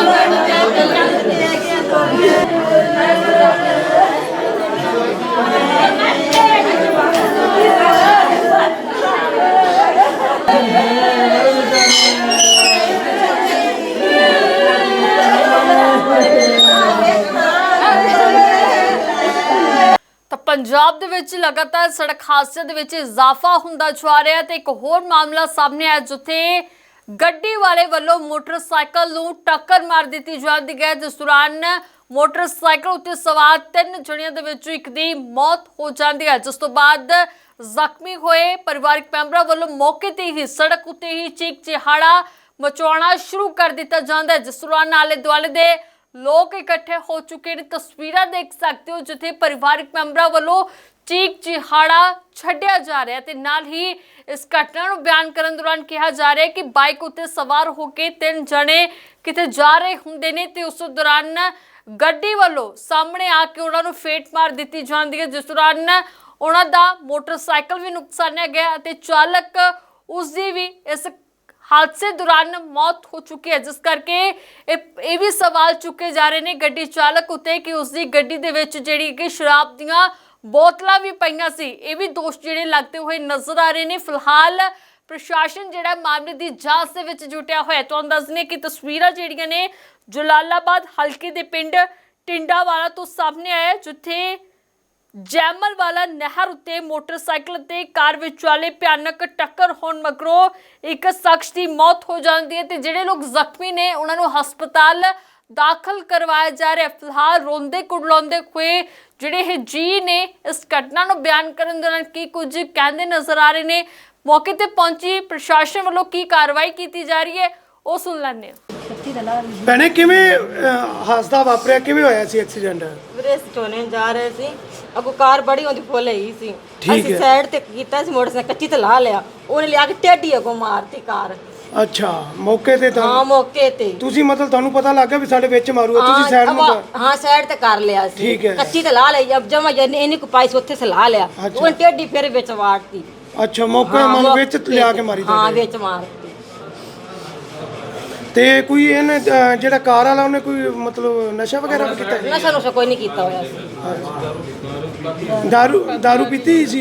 पंजाब दे विच लगातार सड़क हादसे दे विच इजाफा हुंदा जा रहा है। एक होर मामला सामने आया जिथे गड्डी वाले वालों मोटरसाइकिल नूं टक्कर मार दी जाती है, जिस दौरान मोटरसाइकिल उत्ते सवार 3 जणियां दे विचों एक दी मौत हो जाती है, जिस तो बाद जख्मी होए परिवारक मैंबरां वालों मौके ते ही सड़क उत्ते ही चीख चिहाड़ा मचाउणा शुरू कर दिता जाता है, जिस दौरान आले दुआले दे लोग इकट्ठे हो चुके हैं। तस्वीरां देख सकते हो जिथे परिवारक मैंबरां वालों चीख चिहाड़ा छड्डिया जा रहा है ते नाल ही इस घटना नूं बयान करन दौरान कहा जा रहा है कि बाइक उत्ते सवार होकर 3 जने किते जा रहे हुंदे ने ते उस दौरान गड्डी वालों सामने आके उन्हां नूं फेट मार दी जाती है, जिस दौरान उन्हां दा मोटरसाइकिल भी नुकसानिया गया ते चालक उसकी भी इस हादसे दौरान मौत हो चुकी है, जिस करके ये भी सवाल चुके जा रहे हैं गड्डी चालक उत्ते कि उसकी गड्डी दे विच जिहड़ी कि शराब दीयां बोतलां भी पईयां सी। ये भी दोष जिहड़े लगते हुए नजर आ रहे हैं। फिलहाल प्रशासन जिहड़ा मामले की जांच दे विच जुटिया होया। तुहानूं दस दिंदे कि तस्वीरां जिहड़ियां ने जलालाबाद हल्के दे पिंड टिंडावाला तो सामने आया, जिथे जैमल वाला नहर उत्ते मोटरसाइकिल ते कार विचाले भयानक टक्कर होण मगरों एक शख्स की मौत हो जाती है ते जिहड़े लोग जख्मी ने उन्होंने हस्पताल दाखिल करवाया जा रहा है। फिलहाल रोंदे कुड़लाउंदे हुए जिहड़े जी ने इस घटना नूं बयान करन दौरान की कुछ कहंदे नजर आ रहे हैं। मौके ते पहुंची प्रशासन वालों की कार्रवाई की जा रही है वो सुन लैंदे हां। ਭੈਣੇ ਕਿਵੇਂ ਹਾਦਸਾ ਵਾਪਰਿਆ, ਕਿਵੇਂ ਹੋਇਆ ਸੀ ਐਕਸੀਡੈਂਟ? ਵੀਰੇ ਸਟੋਨੇ ਜਾ ਰਹੇ ਸੀ, ਅੱਗੋਂ ਕਾਰ ਬੜੀ ਹੁੰਦੀ ਫੁੱਲ ਹੀ ਸੀ, ਅਸੀਂ ਸਾਈਡ ਤੇ ਕੀਤਾ ਸੀ ਮੋਟਰਸਾਈਕਲ ਕੱਚੀ ਤੇ ਲਾ ਲਿਆ, ਉਹਨੇ ਲਿਆ ਕੇ ਟੇਢੀ ਅੱਗੋਂ ਮਾਰਤੀ ਕਾਰ। ਅੱਛਾ, ਮੌਕੇ ਤੇ ਤਾਂ ਹਾਂ ਮੌਕੇ ਤੇ ਤੁਸੀਂ ਮਤਲਬ ਤੁਹਾਨੂੰ ਪਤਾ ਲੱਗ ਗਿਆ ਵੀ ਸਾਡੇ ਵਿੱਚ ਮਾਰੂਗਾ, ਤੁਸੀਂ ਸਾਈਡ ਨੂੰ ਹਾਂ ਸਾਈਡ ਤੇ ਕਰ ਲਿਆ ਸੀ, ਕੱਚੀ ਤੇ ਲਾ ਲਈ, ਜਦ ਜਮਾ ਇਹਨੇ ਕੋ ਪਾਈ ਉੱਥੇ ਸੇ ਲਾ ਲਿਆ, ਉਹਨੇ ਟੇਢੀ ਫਿਰ ਵਿੱਚ ਵਾੜਤੀ। ਅੱਛਾ, ਮੌਕੇ ਮਨ ਵਿੱਚ ਲਿਆ ਕੇ ਮਾਰੀ? ਹਾਂ ਵਿੱਚ ਮਾਰਤੀ। ਤੇ ਕੋਈ ਇਹਨੇ ਜਿਹੜਾ ਕਾਰ ਵਾਲਾ ਉਹਨੇ ਕੋਈ ਮਤਲਬ ਨਸ਼ਾ ਵਗੈਰਾ ਵੀ ਕੀਤਾ? ਨਸ਼ਾ ਕੋਈ ਨਹੀਂ ਕੀਤਾ ਹੋਇਆ ਸੀ। ਦਾਰੂ ਪੀਤੀ ਸੀ?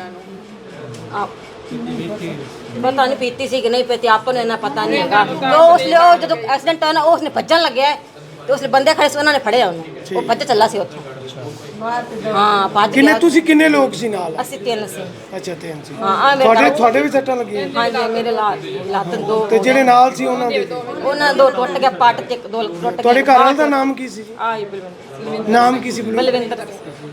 ਪਤਾ ਨਹੀਂ ਪੀਤੀ ਸੀ ਕਿ ਨਹੀਂ ਪੀਤੀ, ਆਪਾਂ ਨੂੰ ਇਹਨਾਂ ਪਤਾ ਨਹੀਂ ਹੈਗਾ। तो उसने ਜਦੋਂ ਐਕਸੀਡੈਂਟ ਹੋਇਆ ਨਾ ਉਸਨੇ ਭੱਜਣ ਲੱਗਿਆ ਤੇ ਉਸਨੇ ਬੰਦੇ ਖੜੇ ਸੀ, ਉਹਨਾਂ ਨੇ ਫੜਿਆ ਉਹਨੂੰ, ਉਹ ਭੱਜ ਚੱਲਾ ਸੀ ਉੱਥੋਂ। ਹਾਂ ਭੱਜ ਕਿੰਨੇ ਤੁਸੀਂ ਕਿੰਨੇ ਲੋਕ ਸੀ ਨਾਲ? ਅਸੀਂ 3 ਸੀ। ਅੱਛਾ 3 ਸੀ। ਹਾਂ ਤੁਹਾਡੇ ਵੀ ਸੱਟਾਂ ਲੱਗੀਆਂ? ਹਾਂਜੀ ਮੇਰੇ ਲੱਤ 2। ਤੇ ਜਿਹੜੇ ਨਾਲ ਸੀ ਉਹਨਾਂ ਦੇ? ਉਹਨਾਂ 2 ਟੁੱਟ ਗਿਆ, ਪੱਟ ਤੇ 2 ਟੁੱਟ ਗਏ। ਤੁਹਾਡੇ ਘਰ ਵਾਲੇ ਦਾ ਨਾਮ ਕੀ ਸੀ? ਆਈ ਬਲਵਿੰਦਰ। ਨਾਮ ਕੀ ਸੀ? ਬਲਵਿੰਦਰ।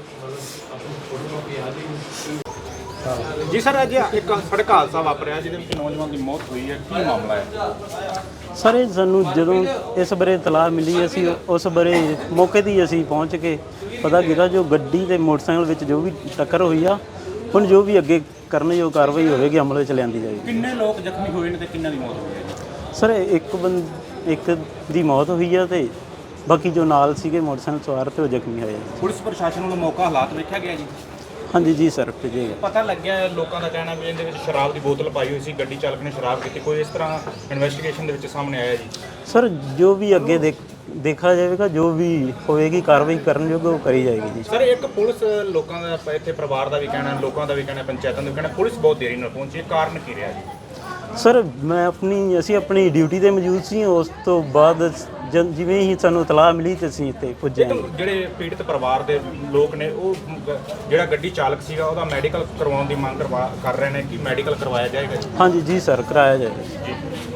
जी सर, अज एक सड़क हादसा वापरिया जिहदे विच नौजवान की मौत हुई है, की मामला है? सर ਸਾਨੂੰ ਜਦੋਂ ਇਸ ਬਾਰੇ ਇਤਲਾਹ ਮਿਲੀ ਅਸੀਂ ਉਸ ਬਾਰੇ ਮੌਕੇ 'ਤੇ ਹੀ ਅਸੀਂ ਪਹੁੰਚ ਕੇ ਪਤਾ ਕੀਤਾ ਜੋ ਗੱਡੀ ਤੇ ਮੋਟਰਸਾਈਕਲ ਵਿੱਚ ਜੋ ਵੀ ਟੱਕਰ ਹੋਈ ਆ, ਹੁਣ ਜੋ ਵੀ ਅੱਗੇ ਕਰਨ ਜੋ ਕਾਰਵਾਈ ਹੋਵੇਗੀ ਅਮਲ ਵਿੱਚ ਲਿਆਂਦੀ ਜਾਏਗੀ। ਕਿੰਨੇ ਲੋਕ ਜ਼ਖਮੀ ਹੋਏ ਨੇ ਤੇ ਕਿੰਨਾਂ ਦੀ ਮੌਤ ਹੋਈ ਹੈ? ਸਰ ਇੱਕ ਦੀ ਮੌਤ ਹੋਈ ਆ ਤੇ ਬਾਕੀ ਜੋ ਨਾਲ ਸੀਗੇ ਮੋਟਰਸਾਈਕਲ ਸਵਾਰ ਤੇ ਉਹ ਜ਼ਖਮੀ ਹੋਏ। ਪੁਲਿਸ ਪ੍ਰਸ਼ਾਸਨ ਵੱਲੋਂ ਮੌਕਾ ਹਾਲਾਤ ਵੇਖਿਆ ਗਿਆ ਜੀ? ਹਾਂਜੀ ਜੀ ਸਰ, ਭੇਜੇਗਾ। ਪਤਾ ਲੱਗਿਆ ਲੋਕਾਂ ਦਾ ਕਹਿਣਾ ਵੀ ਇਹਦੇ ਵਿੱਚ ਸ਼ਰਾਬ ਦੀ ਬੋਤਲ ਪਾਈ ਹੋਈ ਸੀ, ਗੱਡੀ ਚਾਲਕ ਨੇ ਸ਼ਰਾਬ ਪੀਤੀ, ਕੋਈ ਇਸ ਤਰ੍ਹਾਂ ਇਨਵੈਸਟੀਗੇਸ਼ਨ ਦੇ ਵਿੱਚ ਸਾਹਮਣੇ ਆਇਆ ਜੀ? ਸਰ ਜੋ ਵੀ ਅੱਗੇ ਦੇਖਾ ਜਾਵੇਗਾ, ਜੋ ਵੀ ਹੋਏਗੀ ਕਾਰਵਾਈ ਕਰਨ ਯੋਗ ਉਹ ਕਰੀ ਜਾਏਗੀ ਜੀ। ਸਰ ਇੱਕ ਪੁਲਿਸ ਲੋਕਾਂ ਦਾ ਇੱਥੇ ਪਰਿਵਾਰ ਦਾ ਵੀ ਕਹਿਣਾ, ਲੋਕਾਂ ਦਾ ਵੀ ਕਹਿਣਾ, ਪੰਚਾਇਤਾਂ ਦਾ ਵੀ ਕਹਿਣਾ, ਪੁਲਿਸ ਬਹੁਤ ਦੇਰੀ ਨਾਲ ਪਹੁੰਚੀ, ਇਹ ਕਾਰਨ ਕੀ ਰਿਹਾ ਜੀ? ਸਰ ਅਸੀਂ ਆਪਣੀ ਡਿਊਟੀ ਤੇ ਮੌਜੂਦ ਸੀ, ਉਸ ਤੋਂ ਬਾਅਦ ਜਿਵੇਂ ਹੀ ਸਾਨੂੰ ਇਤਲਾਹ ਮਿਲੀ ਤੇ ਅਸੀਂ ਇੱਥੇ ਪੁੱਜੇ। ਜਿਹੜੇ ਪੀੜਤ ਪਰਿਵਾਰ ਦੇ ਲੋਕ ਨੇ ਉਹ ਜਿਹੜਾ ਗੱਡੀ ਚਾਲਕ ਸੀਗਾ ਉਹਦਾ ਮੈਡੀਕਲ ਕਰਵਾਉਣ ਦੀ ਮੰਗ ਕਰ ਰਹੇ ਨੇ, ਕਿ ਮੈਡੀਕਲ ਕਰਵਾਇਆ ਜਾਏਗਾ ਜੀ? ਹਾਂਜੀ ਜੀ ਸਰ, ਕਰਾਇਆ ਜਾਏਗਾ ਜੀ।